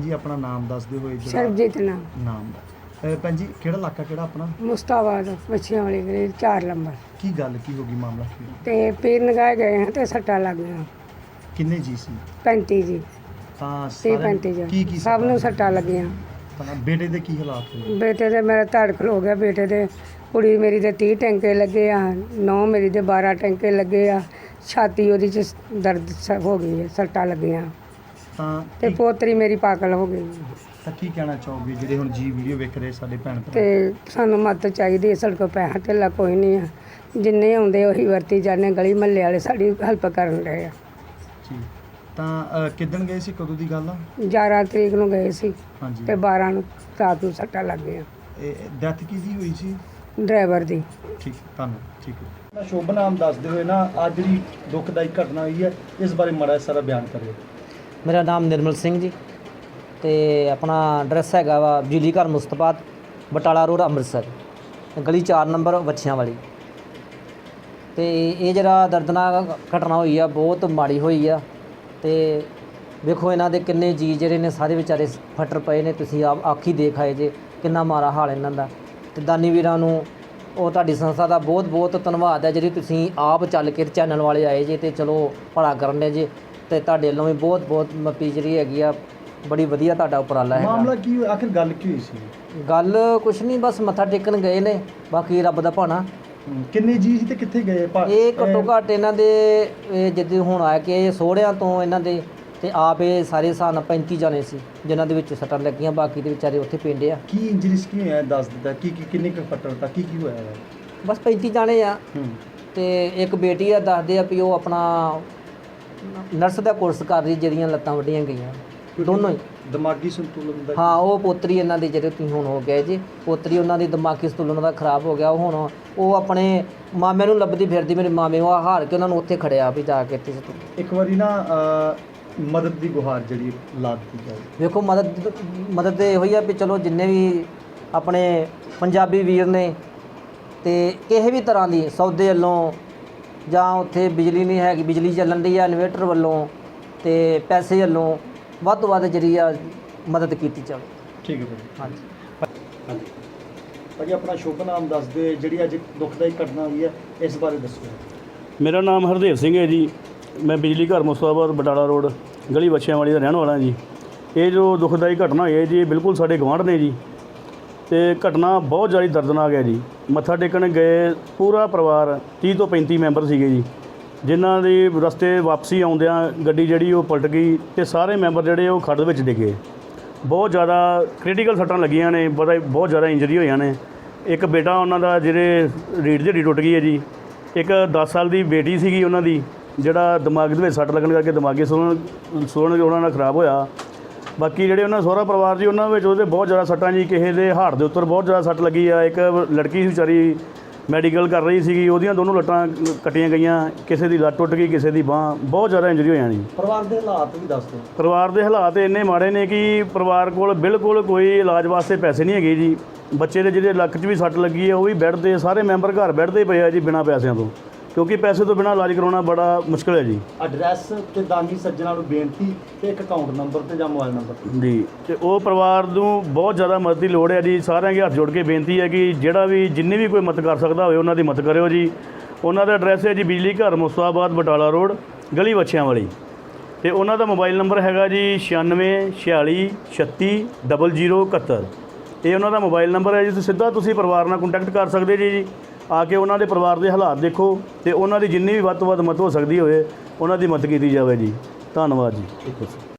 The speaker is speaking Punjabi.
जी अपना नाम दस दे होए ਸਰਬਜੀਤ ਨਾਮ नाम भैन जी केड़ा इलाका केड़ा अपना ਮੁਸਤਾਬਾਦ ਬੱਚਿਆਂ ਵਾਲੀ ਗਲੀ 4 ਨੰਬਰ की गल की होगी मामला की ਤੇ ਪੀਰ ਨਗਾਏ ਗਏ ਹਾਂ ਤੇ ਸੱਟਾਂ ਲੱਗ ਗਈਆਂ किन्ने जी सी 35 ਜੀ ਤਾਂ 30 ਸਾਰਿਆਂ 35 ਕੀ ਜੀ ਸਭ ਨੂੰ ਸੱਟਾਂ ਲੱਗੀਆਂ ਤਾਂ ਬੇਟੇ ਦੇ ਕੀ ਹਾਲਾਤ ਹੋਏ ਬੇਟੇ ਦੇ ਮੇਰਾ ਧੜ ਖਲੋ ਗਿਆ ਬੇਟੇ ਦੇ ਕੁੜੀ ਮੇਰੀ ਦੇ 30 ਟੈਂਕੇ ਲੱਗੇ ਆ ਨੌ ਮੇਰੀ ਦੇ 12 ਟੈਂਕੇ ਲੱਗੇ ਆ ਛਾਤੀ ਉਹਦੀ ਚ ਦਰਦ ਹੋ ਗਈ ਹੈ ਸੱਟਾਂ ਲੱਗੀਆਂ ਤਾਂ ਤੇ ਪੋਤਰੀ ਮੇਰੀ ਪਾਗਲ ਹੋ ਗਈ ਤਾਂ ਕੀ ਕਹਿਣਾ ਚਾਹੋਗੇ ਜਿਹੜੇ ਹੁਣ ਜੀ ਵੀਡੀਓ ਵੇਖ ਰਹੇ ਸਾਡੇ ਭੈਣ ਭਰਾ ਤੇ ਸਾਨੂੰ ਮਦਦ ਚਾਹੀਦੀ ਹੈ ਸਾਡੇ ਕੋਲ ਪੈਸਾ ਧੇਲਾ ਕੋਈ ਨਹੀਂ ਆ ਜਿੰਨੇ ਆਉਂਦੇ ਉਹੀ ਵਰਤੀ ਜਾਂਦੇ ਗਲੀ ਮਹੱਲੇ ਵਾਲੇ ਸਾਡੀ ਹੈਲਪ ਕਰਨ ਰਹੇ ਆ ਜੀ ਤਾਂ ਕਿੱਦਣ ਗਏ ਸੀ ਕਦੋਂ ਦੀ ਗੱਲ ਆ 11 ਤਰੀਕ ਨੂੰ ਗਏ ਸੀ ਹਾਂਜੀ ਤੇ 12 ਨੂੰ ਰਾਤ ਨੂੰ ਸੱਟਾਂ ਲੱਗ ਗਈਆਂ ਡੈਥ ਕਿਹਦੀ ਹੋਈ ਸੀ ਡਰਾਈਵਰ ਦੀ ਠੀਕ ਧੰਨਵਾਦ ਠੀਕ ਹੈ ਸ਼ੁਭ ਨਾਮ ਦੱਸਦੇ ਹੋਏ ਨਾ ਅੱਜ ਜਿਹੜੀ ਦੁਖਦਾਈ ਘਟਨਾ ਹੋਈ ਹੈ ਇਸ ਬਾਰੇ ਮਾੜਾ ਸਾਰਾ ਬਿਆਨ ਕਰਿਓ ਮੇਰਾ ਨਾਮ ਨਿਰਮਲ ਸਿੰਘ ਜੀ ਤੇ ਆਪਣਾ ਐਡਰੈਸ ਹੈਗਾ ਵਾ ਬਿਜਲੀ ਘਰ ਮੁਸਤਫਾਬਾਦ ਬਟਾਲਾ ਰੋਡ ਅੰਮ੍ਰਿਤਸਰ ਗਲੀ 4 ਨੰਬਰ ਵੱਛਿਆਂ ਵਾਲੀ। ਤੇ ਇਹ ਜਿਹੜਾ ਦਰਦਨਾਕ ਘਟਨਾ ਹੋਈ ਆ ਬਹੁਤ ਮਾੜੀ ਹੋਈ ਆ ਤੇ ਵੇਖੋ ਇਹਨਾਂ ਦੇ ਕਿੰਨੇ ਜੀ ਜਿਹੜੇ ਨੇ ਸਾਰੇ ਵਿਚਾਰੇ ਫਟਰ ਪਏ ਨੇ ਤੁਸੀਂ ਆਪ ਆਖੀ ਦੇਖ ਆਏ ਜੇ ਕਿੰਨਾ ਮਾੜਾ ਹਾਲ ਇਹਨਾਂ ਦਾ। ਤੇ ਦਾਨੀ ਵੀਰਾਂ ਨੂੰ ਉਹ ਤੁਹਾਡੀ ਸੰਸਥਾ ਦਾ ਬਹੁਤ ਬਹੁਤ ਧੰਨਵਾਦ ਹੈ ਜਿਹੜੀ ਤੁਸੀਂ ਆਪ ਚੱਲ ਕੇ ਚੈਨਲ ਵਾਲੇ ਆਏ ਜੇ ਤੇ ਚਲੋ ਭਲਾ ਕਰਨ ਦੇ ਜੇ ਤੇ ਤੁਹਾਡੇ ਵੱਲੋਂ ਵੀ ਬਹੁਤ ਬਹੁਤ ਮੱਪੀ ਜਿਹੜੀ ਹੈਗੀ ਆ ਬੜੀ ਵਧੀਆ ਤੁਹਾਡਾ ਉਪਰਾਲਾ ਹੈ। ਮਾਮਲਾ ਕੀ ਹੋਇਆ ਆਖਿਰ ਗੱਲ ਕੀ ਹੋਈ ਸੀ ਗੱਲ ਕੁਛ ਨਹੀਂ ਬਸ ਮੱਥਾ ਟੇਕਣ ਗਏ ਨੇ ਬਾਕੀ ਰੱਬ ਦਾ ਭਾਣਾ। ਕਿੰਨੇ ਜੀ ਸੀ ਤੇ ਕਿੱਥੇ ਗਏ ਇਹ ਘੱਟੋ ਘੱਟ ਇਹਨਾਂ ਦੇ ਜਿੱਦਾਂ ਹੁਣ ਆਇਆ ਕਿ ਸੋਹਰਿਆਂ ਤੋਂ ਇਹਨਾਂ ਦੇ ਤੇ ਆਪ ਇਹ ਸਾਰੇ ਹਿਸਾਬ ਨਾਲ 35 ਜਾਣੇ ਸੀ ਜਿਨ੍ਹਾਂ ਦੇ ਵਿੱਚ ਸੱਟਾਂ ਲੱਗੀਆਂ ਬਾਕੀ ਦੇ ਵਿਚਾਰੇ ਉੱਥੇ ਪਿੰਡ ਆ। ਕੀ ਇੰਜਰੀਸ ਕੀ ਹੋਇਆ ਦੱਸ ਦਿੱਤਾ ਕੀ ਕਿੰਨੇ ਕੁ ਫੱਟੜ ਤਾਂ ਕੀ ਹੋਇਆ ਹੈ ਬਸ 35 ਜਾਣੇ ਆ ਤੇ ਇੱਕ ਬੇਟੀ ਆ ਦੱਸਦੇ ਆ ਵੀ ਉਹ ਆਪਣਾ ਨਰਸ ਦਾ ਕੋਰਸ ਕਰ ਰਹੀ ਜਿਹਦੀਆਂ ਲੱਤਾਂ ਵੱਡੀਆਂ ਗਈਆਂ ਦੋਨੋਂ ਹੀ ਦਿਮਾਗੀ ਸੰਤੁਲਨ ਦਾ ਹਾਂ ਉਹ ਪੋਤਰੀ ਇਹਨਾਂ ਦੀ ਜਿਹੜੇ ਤੁਸੀਂ ਹੁਣ ਹੋ ਗਏ ਜੀ ਪੋਤਰੀ ਉਹਨਾਂ ਦੀ ਦਿਮਾਗੀ ਸੰਤੁਲਨ ਦਾ ਖਰਾਬ ਹੋ ਗਿਆ ਉਹ ਹੁਣ ਉਹ ਆਪਣੇ ਮਾਮੇ ਨੂੰ ਲੱਭਦੀ ਫਿਰਦੀ ਮੇਰੇ ਮਾਮੇ ਉਹ ਹਾਰ ਕੇ ਉਹਨਾਂ ਨੂੰ ਉੱਥੇ ਖੜਿਆ ਵੀ ਜਾ ਕੇ ਇੱਥੇ ਇੱਕ ਵਾਰੀ ਨਾ ਮਦਦ ਦੀ ਗੁਹਾਰ ਜਿਹੜੀ ਲਾ ਦਿੱਤੀ ਜਾਏ। ਵੇਖੋ ਮਦਦ ਤੇ ਇਹੋ ਹੀ ਆ ਵੀ ਚਲੋ ਜਿੰਨੇ ਵੀ ਆਪਣੇ ਪੰਜਾਬੀ ਵੀਰ ਨੇ ਤੇ ਕਿਸੇ ਵੀ ਤਰ੍ਹਾਂ ਦੀ ਸੌਦੇ ਵੱਲੋਂ ਜਾਂ ਉੱਥੇ ਬਿਜਲੀ ਨਹੀਂ ਹੈਗੀ ਬਿਜਲੀ ਚੱਲਣ ਦੀ ਆ ਇਨਵੇਟਰ ਵੱਲੋਂ ਤੇ ਪੈਸੇ ਵੱਲੋਂ ਵੱਧ ਤੋਂ ਵੱਧ ਜਿਹੜੀ ਆ ਮਦਦ ਕੀਤੀ ਜਾਵੇ। ਠੀਕ ਹੈ ਭਾਜੀ ਹਾਂਜੀ ਭਾਜੀ ਆਪਣਾ ਸ਼ੁਭ ਨਾਮ ਦੱਸ ਦਿਓ ਜਿਹੜੀ ਅੱਜ ਦੁਖਦਾਈ ਘਟਨਾ ਹੋਈ ਹੈ ਇਸ ਬਾਰੇ ਦੱਸੋ। ਮੇਰਾ ਨਾਮ ਹਰਦੇਵ ਸਿੰਘ ਹੈ ਜੀ ਮੈਂ ਬਿਜਲੀ ਘਰ ਮੁਸਤਫਾਬਾਦ ਬਟਾਲਾ ਰੋਡ ਗਲੀ ਵੱਛਿਆਂ ਵਾਲੀ ਦਾ ਰਹਿਣ ਵਾਲਾ ਜੀ। ਇਹ ਜੋ ਦੁਖਦਾਈ ਘਟਨਾ ਹੋਈ ਹੈ ਜੀ ਬਿਲਕੁਲ ਸਾਡੇ ਗੁਆਂਢ ਨੇ ਜੀ ਤੇ ਘਟਨਾ ਬਹੁਤ ਜ਼ਿਆਦਾ ਦਰਦਨਾਕ ਹੈ ਜੀ। ਮੱਥਾ ਟੇਕਣ ਗਏ ਪੂਰਾ ਪਰਿਵਾਰ 30 ਤੋਂ 35 ਮੈਂਬਰ ਸੀਗੇ ਜੀ ਜਿਨ੍ਹਾਂ ਦੀ ਰਸਤੇ ਵਾਪਸੀ ਆਉਂਦਿਆਂ ਗੱਡੀ ਜਿਹੜੀ ਉਹ ਪਲਟ ਗਈ ਤੇ ਸਾਰੇ ਮੈਂਬਰ ਜਿਹੜੇ ਉਹ ਖੱਡ ਵਿੱਚ ਡਿੱਗੇ। ਬਹੁਤ ਜ਼ਿਆਦਾ ਕ੍ਰਿਟੀਕਲ ਸੱਟਾਂ ਲੱਗੀਆਂ ਨੇ ਬਹੁਤ ਜ਼ਿਆਦਾ ਇੰਜਰੀ ਹੋਈਆਂ ਨੇ। ਇੱਕ ਬੇਟਾ ਉਹਨਾਂ ਦਾ ਜਿਹੜੇ ਰੀੜ੍ਹ ਦੀ ਹੱਡੀ ਟੁੱਟ ਗਈ ਹੈ ਜੀ। ਇੱਕ 10 ਸਾਲ ਦੀ ਬੇਟੀ ਸੀਗੀ ਉਹਨਾਂ ਦੀ ਜਿਹੜਾ ਦਿਮਾਗ ਦੇ ਵਿੱਚ ਸੱਟ ਲੱਗਣ ਕਰਕੇ ਦਿਮਾਗੀ ਸੁਣਨ ਉਹਨਾਂ ਦਾ ਖਰਾਬ ਹੋਇਆ। ਬਾਕੀ ਜਿਹੜੇ ਉਹਨਾਂ ਸਹੁਰਾ ਪਰਿਵਾਰ ਜੀ ਉਹਨਾਂ ਵਿੱਚ ਉਹਦੇ ਬਹੁਤ ਜ਼ਿਆਦਾ ਸੱਟਾਂ ਜੀ ਕਿਸੇ ਦੇ ਹਾਰਟ ਦੇ ਉੱਤੇ ਬਹੁਤ ਜ਼ਿਆਦਾ ਸੱਟ ਲੱਗੀ ਆ। ਇੱਕ ਲੜਕੀ ਸੀ ਵਿਚਾਰੀ ਮੈਡੀਕਲ ਕਰ ਰਹੀ ਸੀਗੀ ਉਹਦੀਆਂ ਦੋਨੋਂ ਲੱਟਾਂ ਕੱਟੀਆਂ ਗਈਆਂ ਕਿਸੇ ਦੀ ਲੱਤ ਟੁੱਟ ਗਈ ਕਿਸੇ ਦੀ ਬਾਂਹ ਬਹੁਤ ਜ਼ਿਆਦਾ ਇੰਜਰੀ ਹੋਈਆਂ ਜੀ। ਪਰਿਵਾਰ ਦੇ ਹਾਲਾਤ ਵੀ ਦੱਸ ਦਿਓ। ਪਰਿਵਾਰ ਦੇ ਹਾਲਾਤ ਇੰਨੇ ਮਾੜੇ ਨੇ ਕਿ ਪਰਿਵਾਰ ਕੋਲ ਬਿਲਕੁਲ ਕੋਈ ਇਲਾਜ ਵਾਸਤੇ ਪੈਸੇ ਨਹੀਂ ਹੈਗੇ ਜੀ। ਬੱਚੇ ਦੇ ਜਿਹਦੇ ਲੱਕ 'ਚ ਵੀ ਸੱਟ ਲੱਗੀ ਹੈ ਉਹ ਵੀ ਬੈੱਡ 'ਤੇ ਸਾਰੇ ਮੈਂਬਰ ਘਰ ਬੈੱਡ 'ਤੇ ਪਏ ਆ ਜੀ ਬਿਨਾਂ ਪੈਸਿਆਂ ਤੋਂ ਕਿਉਂਕਿ ਪੈਸੇ ਤੋਂ ਬਿਨਾਂ ਇਲਾਜ ਕਰਾਉਣਾ ਬੜਾ ਮੁਸ਼ਕਿਲ ਹੈ ਜੀ। ਐਡਰੈਸ ਤੇ ਦਾਨੀ ਸੱਜਣਾ ਨੂੰ ਬੇਨਤੀ ਤੇ ਇੱਕ ਅਕਾਊਂਟ ਨੰਬਰ ਤੇ ਜਾਂ ਮੋਬਾਈਲ ਨੰਬਰ ਜੀ ਤੇ ਉਹ ਪਰਿਵਾਰ ਨੂੰ ਬਹੁਤ ਜ਼ਿਆਦਾ ਮਦਦ ਦੀ ਲੋੜ ਹੈ ਜੀ। ਸਾਰਿਆਂ ਦੇ ਹੱਥ ਜੋੜ ਕੇ ਬੇਨਤੀ ਹੈ ਕਿ ਜਿਹੜਾ ਵੀ ਜਿੰਨੀ ਵੀ ਕੋਈ ਮਦਦ ਕਰ ਸਕਦਾ ਹੋਵੇ ਉਹਨਾਂ ਦੀ ਮਦਦ ਕਰਿਓ ਜੀ। ਉਹਨਾਂ ਦਾ ਐਡਰੈਸ ਹੈ ਜੀ ਬਿਜਲੀ ਘਰ ਮੁਸਤਫਾਬਾਦ ਬਟਾਲਾ ਰੋਡ ਗਲੀ ਵੱਛਿਆਂ ਵਾਲੀ ਤੇ ਉਹਨਾਂ ਦਾ ਮੋਬਾਈਲ ਨੰਬਰ ਹੈਗਾ ਜੀ 9646360071। ਇਹ ਉਹਨਾਂ ਦਾ ਮੋਬਾਈਲ ਨੰਬਰ ਹੈ ਜੀ। ਤੁਸੀਂ ਸਿੱਧਾ ਪਰਿਵਾਰ ਨਾਲ ਕੰਟੈਕਟ ਕਰ ਸਕਦੇ ਜੀ ਆ ਕੇ ਉਹਨਾਂ ਦੇ ਪਰਿਵਾਰ ਦੇ ਹਾਲਾਤ ਦੇਖੋ ਤੇ ਉਹਨਾਂ ਦੀ ਜਿੰਨੀ ਵੀ ਵੱਧ ਤੋਂ ਵੱਧ ਮਦਦ ਹੋ ਸਕਦੀ ਹੋਵੇ ਉਹਨਾਂ ਦੀ ਮਦਦ ਕੀਤੀ ਜਾਵੇ ਜੀ। ਧੰਨਵਾਦ ਜੀ।